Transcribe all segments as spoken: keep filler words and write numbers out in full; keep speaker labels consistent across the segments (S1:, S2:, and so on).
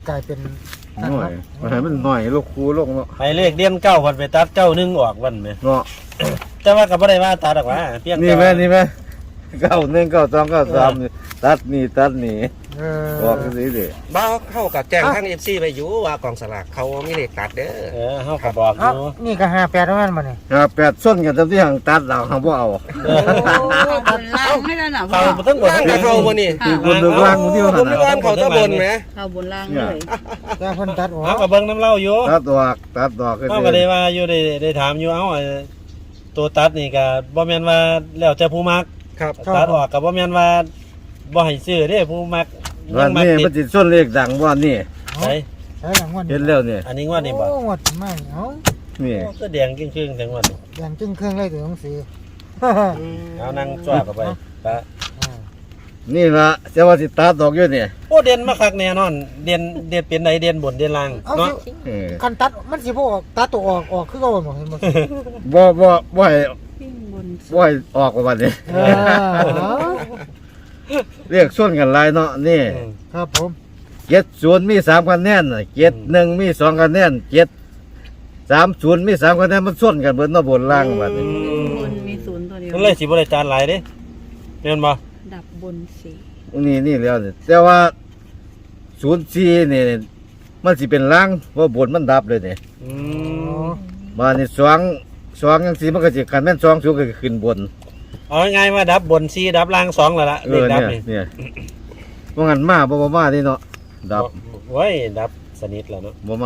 S1: กลายเป็น
S2: หน่อยมันให้มันหน่อยลูกครูลงเนาะ
S3: ไปเลขเดียนเก้าวันไปตัดเก้าหนึ่งออกวันไหม
S2: เนาะ
S3: แต่ว่าก็บ่ได้ว่าตัดหรอกว่าเพียง
S2: นี่แม่นี่แม่เก้าหนึ่งเก้าสองเก้าสามนี่ตัดนี่ตัดนี่
S1: เอ
S2: ออกสิเด้
S4: บ้าเข้ากับแจ้งทางเอฟซีไปอยู่ว่ากองสลากเขามีเลขตัดเด้อ
S3: เออเฮาก็บอกอ
S1: เอ้า
S3: ยู่
S1: นี่ก็ห้าแปดแล้วมันมาเนี่ย
S2: ห้าแปดส้นกันจำที่ห่างตัดเราห่างบ่เอา
S5: บนล่างไม่ได้หนา
S3: เขาบ่ต้องบ
S4: ล่างกับเขาบ่นี่
S2: คือคนเดือดร้อนคนที่
S4: ผ
S2: เขา
S4: ม
S2: หา
S4: ว่าเขาตะบนไหม
S5: เขาบนล่างเลย
S1: แต่คนตัดออก
S3: เฮาก็เบิ่งน้ำเล่าอยู่
S2: ตัดดอกตัดดอก
S3: เฮาก็ได้ว่าอยู่ได้ได้ถามอยู่เอ้าไอ้ตัวตัดนี่ก็บ่แม่นว่าแล้วแต่ผู้มัก
S4: ครับ
S3: ตัดออกก็บ่แม่นว่าบ่ให้ซื้อเด้ผู้มัก
S2: วัน
S3: มั
S2: นี้
S3: ติ
S2: มัน
S3: ด
S2: จิตส้นเลขดังว่านี่
S3: ใช่
S1: ใช่หลังวัน
S2: เห็นแล้วเนี่ย
S3: อันนี้งวดนี่บ่
S1: โอ้หมดมากเอ้า
S2: นี่
S3: โอ้ก็แดงครึ่งๆทั้งวัน
S1: อย่างจึ้งเครื่องเลยตัวหนังสือ
S3: เอานั่งจ้วเข้าไปปะ
S2: นี่ละจะว่าสิตัดดอกอยู่เนี่ย
S3: โอ้เด่นมาคักแน่นอน เด่นเด่นเป็นไหนเด่นบนเด่นล่าง
S1: เอา
S3: เนาะ
S1: สิ
S2: เออ
S1: คันตัดมันสิบ่ออกตัดตัวออกออกคือเก่าหมดเห็นบ่
S2: บ่บ่บ่ให้
S5: วิ่งบน
S2: บ่ให้ออกกว่าบัดนี้
S1: เออ
S2: เรียกส้นกันหลายเนาะนี่
S3: อืม
S1: ครับผม
S2: เจ็ดศูนย์มีสามคะแนนน่ะเจ็ดหนึ่งมีสองคะแนนเจ็ดสามศูนย์มีสามคะแนนมันส้นกันเบิดเนาะบนล่างบัดนี้
S5: บนมีศูนย์ตัวเดียว
S3: มันเลยสิบ่ได้จานหลายเด้แม่นบ่
S5: ดับบนสี่
S2: นี่นี่แล้วนี่แต่ว่าศูนย์สี่นี่มันสิเป็นล่างเพราะบนมันดับเลยนี่
S3: อื
S1: อ๋
S3: ม
S1: อ
S2: มานี่สองสองจังซี่มันก็สิคันแม่นสองสูงก็ขึ้นบน
S3: เอาง่ายๆว่าดับบนสี่ดับล่างสองแล้วล่ะ
S2: เอ
S3: เลข
S2: อ
S3: ดับ
S2: เนี่ย
S3: นี่
S2: เนี่ยว่างั้นมาบ่บ่มานี่เนาะดับ
S3: โอ้ยดับสนิทแล้วเนาะ
S2: บ่มา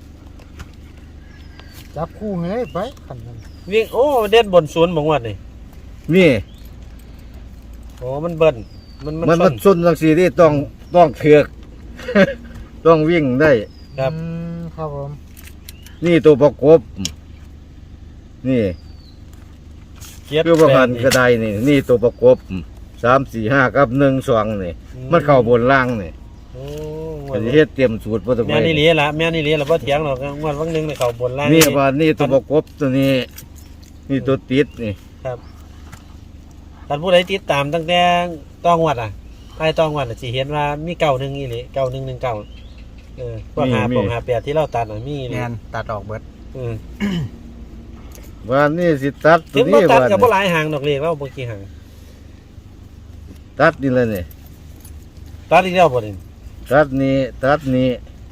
S1: จับคู่ให้ไปคันนั้น
S3: วิ่งโอ้เด่นบนศูนย์บ่งวดนี่
S2: นี่
S3: โอ้มันเบิ้นมัน
S2: มัน
S3: มั
S2: มัน นส้นจังซี่นี่ต้องต้องเถือก ต้องวิ่งได้
S3: ครับ
S1: อืมครับผม
S2: นี่ตัวประกบ นี่
S3: เกียรติ
S2: คือประพัน
S3: แปด
S2: กระไดนี่ นี่ตัวประกบสามสี่ห้ากับหนึ่งสองนี่ มันเข้าบนล่างนี่
S3: โอ้งว
S2: ก็
S3: ด
S2: สิเฮ็ดเตรียมสูตรบ่ต้อง
S3: แม่นี่เหลียละแม่นี่เหลียละบ่เถียงหรอกงวดวันหนึงนี่เข้าบนล่าง
S2: นี่ว่านี่ตัวประกบตัวนี้ นี่ตัวติดนี่
S3: ครับท่านผู้ใดติดตามตั้งแต่ต้องวดอ่ะไอ้ต้องวดน่ะสิเห็นว่ามีเก้าหนึ่งอีหลีเก้าหนึ่งหนึ่งเก้าเออพวกหาปงหาแปดที่เราตัดน่ะมีอีหลี
S1: แม่นตัดออกเบิด
S3: อืม
S2: ว่านี่สิตัดตั
S3: ถึ
S2: ว
S3: งบ่
S2: นี้
S3: ตัด
S2: ว่า
S3: กับบ่หลายหางดอกเลขเราบ่กี่หาง
S2: ตัดนี่เลยนี่
S3: ตัดอีกแล้วบ่นี่
S2: ตัดนี้ตัดนี้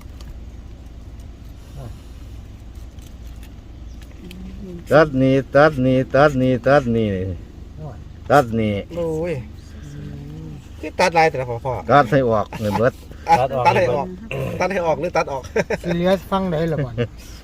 S2: ตัดนี้ตัดนี้ตัดนี้ตัดนี้ตัดนี้
S4: โอ้ยคือตัดลายแต่ละพอพอ
S2: ตัดให้ออกเลยเบิด
S4: ตัดให้ออกตัดให้ออกหรือตัดออก
S1: สิเหลือฟังได้ล่ะบ่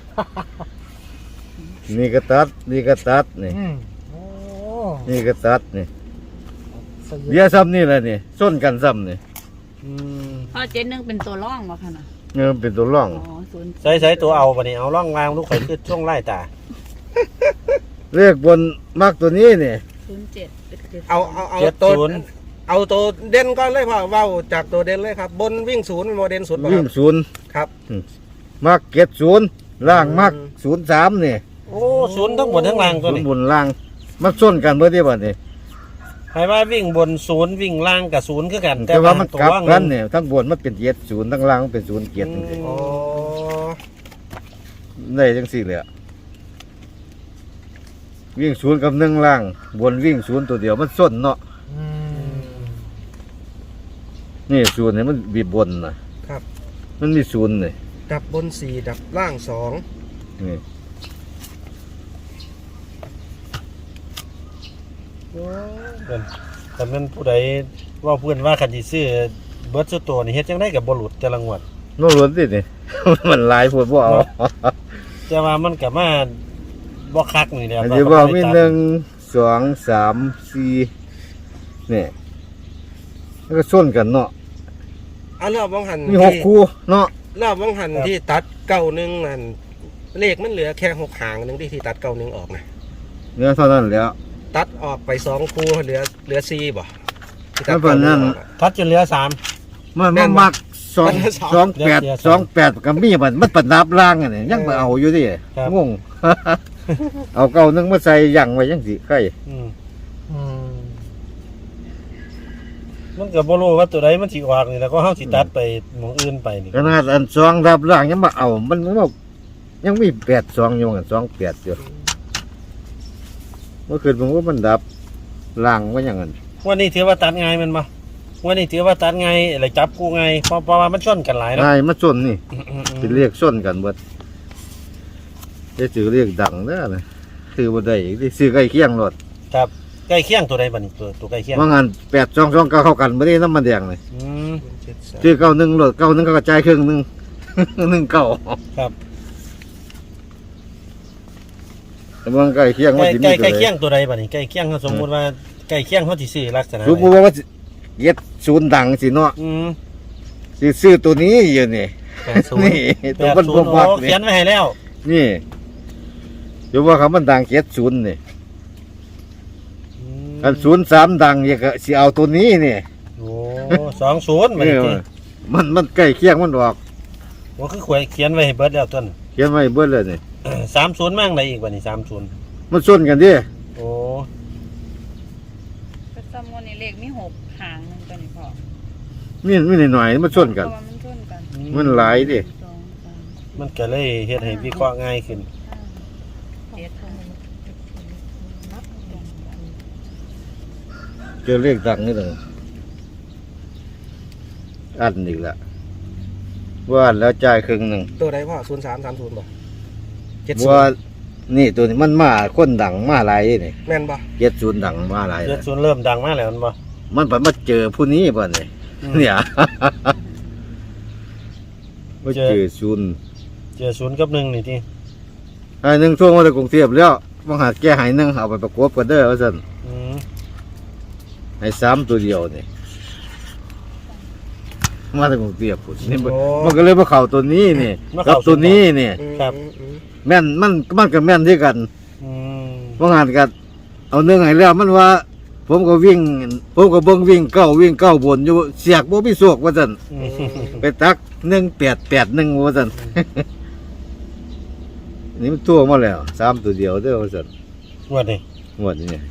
S2: นี่ก็ตัดนี่ก็ตัดนี่
S1: อืมโอ้
S2: นี่ก็ตัดนี่
S1: สย
S2: เดี๋ยวซ้ำนี่แหละนี่ส้นกันซ้ำนี่
S3: อืม
S5: พอเจ็ดหนึ่งเป็นตัวร่องวะค่ะนะ
S2: เงินเป็นตัวร่อง
S5: อ๋อศูนย์
S3: ใส่ใส่ตัวเอาบ่นี่เอาร่องวางลูกข่อยคือช่วงไล่ตา
S2: เลขบนมักตัวนี้นี่
S5: ศูนย์เจ็ดเจ็ด
S4: เอาเอาเอา
S3: เจ็ด
S4: ตัว
S3: ศูนย์
S4: เอาตัวเด่นก่อนเลยพ่อเว้าจากตัวเด่นเลยครับ บนวิ่งศูนย์โมเด่นสุดบ่ค
S2: วิ่
S4: รั
S2: ง
S4: บ
S2: ศูนย์
S4: ครับ
S2: มักเก็ดศูนย์ล่างมักศูนย์สามนี่
S3: โอ้ศูนย์ทั้งบนทั้งล่างตัว
S2: ศูน
S3: นี้
S2: ย์บนล่างมันส้นกันเมื่อที่บัดนี้
S3: ให้ว่าวิ่งบนศูนย์วิ่งล่างกับศูนย์คือกัน
S2: แต่ว่ามัน
S3: ตัว
S2: กลับ
S3: ว่าง
S2: กันเนี่ยทั้งบนมันเป็นเจ็ดศูนย์ทั้งล่างมันเป็นศูนย์เจ็ด
S4: โอ้
S2: ได้จังสี่เลยอะวิ่งศูนย์กับหนึ่งล่าง บนวิ่งศูนย์ตัวเดียวมันส้นเนาะ
S1: อืม
S2: นี่ศูนย์เนี่ยมันบีบบนนะครับ มันมีศูนย์เลย
S4: ดับบนสี่ดับล่างสอง
S2: นี่
S3: แต่มันผู้ใดว่าเพื่อนว่าคันสิซื้อเบิดสุดตัวนี่เฮ็ดจังได๋ก็บ่หลุดแต่ละงวด
S2: โน่นล้วนสินี่ มันหลายพวดบ่เอา
S3: แต่ว่ามันก็มาบ่คักนี่แหละ
S2: อันนี้ว่ามีหนึ่งสองสามสี่นี่มันก็ส้นกันเนาะ
S4: เอารอบวังหัน
S2: มีหก
S4: ที่
S2: คู่เนาะ
S4: รอบวังหันที่ตัดเก้าหนึ่งนั่นเลขมันเหลือแค่หกหางหนึงที่ที่ตัดเก้าหนึ่งออกนะ
S2: เนื้อเท่านั้นแหล้ว
S4: ตัดออกไปสองคู่เหลือเหลือสี่บ่ที่ตั
S2: แล้
S4: ด
S2: วแบบนั้น
S4: เก้าหงออกอะ
S3: ทัดจนเหลือสาม
S2: มัน
S4: แม่
S2: มัน
S4: นบ่
S2: มักสอง
S4: มันสอง
S2: สองแปด
S3: เดี๋ยว
S2: สองแปดกับมีมันมันประดับล่างอันนี้ยังไปเอาอยู่ดิ
S3: ครับ
S2: งง เอาเก่านึงมาใส่ยังไว้ยังสิไข่
S3: อืม
S1: อืม
S3: มันก็บ่รู้ว่าตัวใดมันสิออกนี่แล้วก็เฮาสิตัดไปหม่องอื่นไปนี่
S2: ขนาดอันสองรับล่างยังมาเอามันมันบอกยังมีแปดสองอยู่กันสองแปดอยู่เมื่อคืนผมว่ามันดับล่างว่าอย่างนั้น
S3: วันนี้ถือว่าตัดง่ายแมันบ่วันนี้ถือว่าตัดง่ายอะไรจับกูง่ายเพราะเพราะว่ามันชนกันหลายเนาะ
S2: นายมาส้นนี่
S3: อืมๆ
S2: เป็นเรียกส้นกันเบิดจะถือเรียกดังเด้อนะซื้อบ่ได้อีกซื้อใกล้เคียงรถ
S3: ครับใกล้เคียงตัวใดบัดนี้ตัวตัวใกล้เคียง
S2: ว่างานแปดสองสองเก้าเข้ากันไม่ได้น้ำมันแดงเลย
S3: อืม
S4: เจ็ดสาม
S2: ซื้อเก้าหนึ่งรถเก้าหนึ่งก็กระจายครึ่งหนึ่ง หนึ่งเก้า
S3: ครับ
S2: แต่มันใกล้เคียง
S3: ใก
S2: ว่า
S3: ล้
S2: สิ
S3: ใก
S2: มี
S3: ล้
S2: ตัว
S3: ใกล้
S2: ใด
S3: เคียงตัวใดบัดนี้ใกล้เคียงเขาสมมุติว่าใกล้เคียงเขาสิซื้อลักษณะ
S2: สมมติว่าเย็ดศูนย์ดังสิเนาะ
S3: อืม
S2: สิซื้อตัวนี้อยู่นี่
S3: แปดศูนย์
S2: นี่
S3: แป
S2: ตัว
S3: ด
S2: มัน
S3: ศู
S2: บ่
S3: นย์
S2: มัก
S3: โอ้
S2: นี่
S3: เขียนไว้ให้แล้ว
S2: นี่อยู่ว่าเขามันดังเจ็ดศูนย์นี่
S3: อืม
S2: อันศูนย์สามดังอยากจะสิเอาตัวนี้นี่
S3: โอ้สองศูนย์บัด
S2: เอ
S3: นี้
S2: อ
S3: ติ
S2: มันมันใกล้เคียงมันออก
S3: ว่าคือขวยเขียนไว้ให้เบิดแล้วต้น
S2: เขียนไว้เบิดเลยนี่
S3: สามศูนย์มั่งได้อีกบัดนี้สามศูนย์
S2: มันส้นกันดิ
S3: โอ้
S5: ก็ซ้ำวันนี้เลขมีหกหางหนึงตัวนี้พอ
S2: มีมีหน่อยๆมันส้นกัน
S5: เพราะว่ามันชนกัน
S2: มันหลายดิ
S5: สองสาม
S3: มันก็เลยเฮ็ดให้วิเคราะห์ง่ายขึ้น
S5: เจ็ดห้า
S2: เจอเลขดังนี่เลยอันอีกละว่าอันแล้วจ่ายครึ่งหนึ่ง
S4: ตัวใดพ่อศูนย์สามสามศูนย์บ่เจ็ด
S2: ว่านี่ตัวนี้มันมาคนดังมาหลายนี่
S4: แม่นบ่
S2: เจ็ดศูนย์ดังมาหลาย
S3: เจ็ดศูนย์เริ่มดังมากแล้วมันบ่
S2: มันไปมาเจอผู้นี้ป่ะเนี่ยเนี่ยมาเจอศูนย์
S3: เจอศูนย์กับหนึ่งนี่ที่
S2: ไอ้หนึ่งช่วงมาจากกรุงเทพแล้วมาหาแก้หายหนึ่งเอาไปประกบกันเด้อว่าสัน
S3: อืม
S2: ให้สามตัวเดียวนี่มาจากกรุงเทพพุ่นนี่มันมันก็เลยมาเข่าตัวนี้นี่กับตัวนี้นี่
S4: อืมอืม
S2: แม่นมันมันกับแม่นที่กัน
S3: อืม
S2: ว่างานกันเอาเนื้อให้แล้วมันว่า ผมก็วิ่ง ผมก็เบิ่งวิ่งเก้าวิ่งเก้าบนอยู่เสียกบ่มีโศกว่าซั่น
S3: อืม
S2: ไปตักหนึ่งแปดแปดหนึ่งว่าซั่น นี่มันตัวมาแล้วสามตัวเดียวเด้อว่าซั่น
S3: งวดนี่
S2: งวดนี้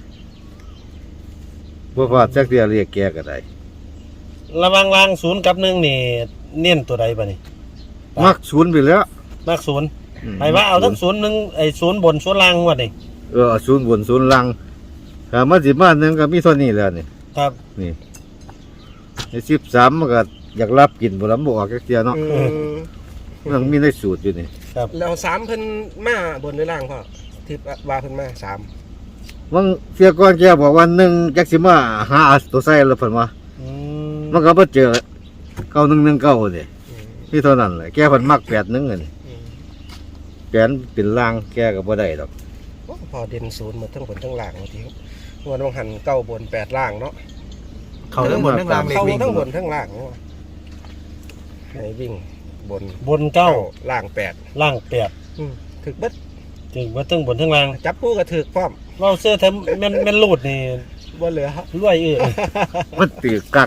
S2: บ่พลาดจักเดียวเรียกแกก็ได้
S3: ระวังวางศูนย์กับหนึ่งนี่เน้นตัวใดบ่นี่
S2: มักศูนย์ไปแล้ว
S3: มากศูนย์ให้ว่าเอาทั้งศูนย์หนึ่งไอ้ศูนย์บนศูนย์ล่างงวดนี่
S2: เออศูนย์บนศูนย์ล่างถ้ามาสิมาหนึงก็มีเท่านี้แล้วนี่
S3: ครับ
S2: นี่ในสิบสามมันก็อยากรับกินบ่ลำบ่ออกจักเที่ยเนาะ
S4: อืม
S2: มันมีในสูตรอยู่นี่
S4: แล้วสามเพิ่นมาบนหรือล่างพ่อที่ว่าเพิ่นมาสาม
S2: วังเสียก่อนแกบอกว่าหนึ่งจักสิมาหาตัวใส่แล้วเพิ่นว่า
S3: อืม
S2: มันก็บ่เจอเก้าหนึ่งหนึ่งเก้านี่
S4: อืม
S2: นี่เท่านั้นแหละแกเพิ่นมักแปดหนึ่งนี่
S4: อืม
S2: แปดเป็นล่างแกก็บ่ได้ดอก
S4: โอ้พอเด่นศูนย์หมดทั้งบนทั้งล่างบางทีวันต้องหันเก้าบนแปดล่างเนาะ
S1: เขาทั้งหมดทั้งรางเลข
S4: เข้า
S1: วิ่ง
S4: ทั้งบนทั้งล่างเนาะให้วิ่งบน
S3: บนเก้า
S4: ล่างแปด
S3: ล่างแปด
S4: อืมถึกเบิด
S3: ถึงว่าตึงบนทั้งล่าง
S4: จับคู่ก็ถึกพร้อม
S3: เราเสื้อแทมแม่นแม่นรูดนี่
S4: บ่เหลือ
S3: รวยเอ้อ
S2: มันตือกัก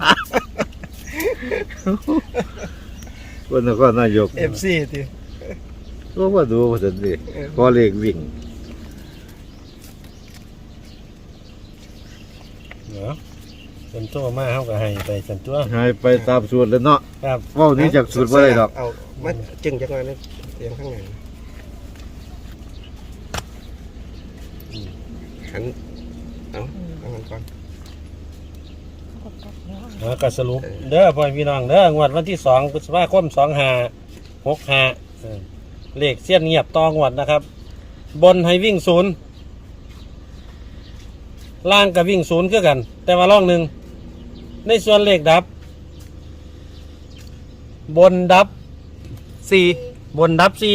S2: คนนครนายก
S4: เอฟซีติ
S2: ก็ว่าดูว่าซั่นดิขอเลขวิ่ง
S3: เนาะเป็นตัวมาเฮาก็ให้ไปสันตัว
S2: ให้ไปตามสูตรแล้วเนาะ
S3: ครับ
S2: เว้านี้จากสูตรบ่ได้ดอก
S4: เอามาจึงจักหน่อยนึงเสียงข้างในหันเอาเอาหันก่อน
S3: อ่าก็สรุปเด้อพ่อพี่น้องเด้องวดวันที่สองพฤษภาคมสองห้าหกห้าเออเลขเสี้ยนเงียบต่องวดนะครับ บนให้วิ่งศูนย์ล่างกับวิ่งศูนย์คือกัน แต่ว่าล่องหนึ่งในส่วนเลขดับ บนดับสี่บนดับสี่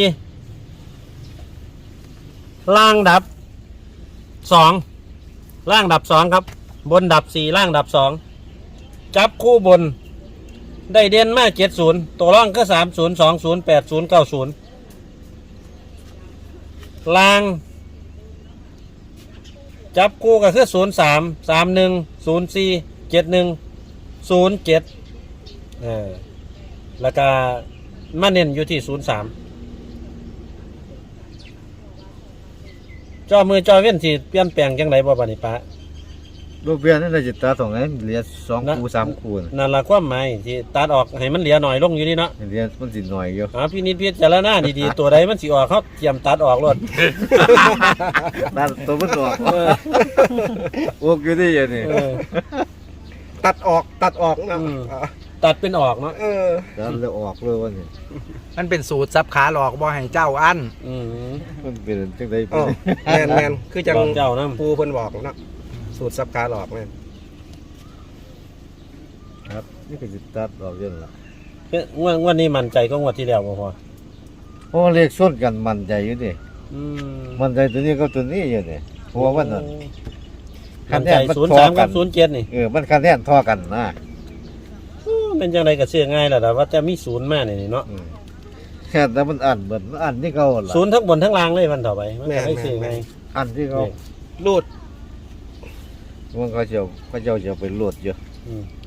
S3: ล่างดับสองล่างดับสองครับ บนดับสี่ล่างดับสองจับคู่บน ได้เด่นมาเจ็ดศูนย์ตัวร่องก็สามศูนย์สองศูนย์แปดศูนย์เก้าศูนย์ล่าง จับคู่ก็คือศูนย์สามสามหนึ่งศูนย์สี่เจ็ดหนึ่งศูนย์เจ็ดเออแล้วก็มาเน้นอยู่ที่ศูนย์สามจอมือจอเว้นสิเปลี่ยนแปลงจังไรบ่บานิปะ
S2: ลูกเบี้ยนั่นน่าจะตัดสองไงเหลือสองคูสามคูน่ะ
S3: นั่นละความหมายที่ตัดออกให้มันเหลือหน่อยลงอยู่นี่เนาะ
S2: เหลือมันสิหน่อยอยู่
S3: อ่าพี่นิดพิจารณาดีๆ ตัวใดมันสิออกเขาเตรียมตัดออกรถ
S2: ตัดตัวมันออก
S3: เออ
S2: โอ้อยู่นี่อย่างนี้
S3: เออ
S4: ตัดออกตัดออกนะ
S3: อืม ตัดเป็นออกเนาะ
S4: เออ
S2: ตัดแล้วออกเลยวันนี้
S1: มันเป็นสูตรซับขาหลอกบ่ให้เจ้าอัน
S3: อืม
S2: มันเป็นจังได
S4: อ๋อแมนแมนคือจัง
S3: บอกเจ้านะ
S4: ปูเพิ่นบอกเนาะสูตรซับขาหลอกแม่น
S2: ครับนี่ก็สิตัดออกเยอะละ
S3: เอ้ยงวดงวดนี้มั่นใจก็งวดที่แล้วบ่พอ
S2: เพราะว่าเลขส้นกันมันใจอยู่ดิ
S3: อืม
S2: มันใจตัวนี้กับตัวนี้อยู่ดิเพราะว่ามันนั่น
S3: มั่นใจศูนย์สามกับศูนย์เจ็ดนี่
S2: เออมันคะแนนเท่อกันนะ
S3: อู้เป็นจังไดก็เชื่อง่ายแล้วล่ะว่าจะมีศูนย์มานี่เนาะ
S2: อืมแค่แต่มันอ่านเหมือนมันอ่านที่เขาล่ะ
S3: ศูนย์ทั้งบนทั้งล่างเลยมันต่อไปมันก็ได้เชื่อง่าย
S2: อ่านที่เขา
S4: รูด
S2: มันเขาเจะเขาเจ้าจะไปโหลดอยู่
S3: อืม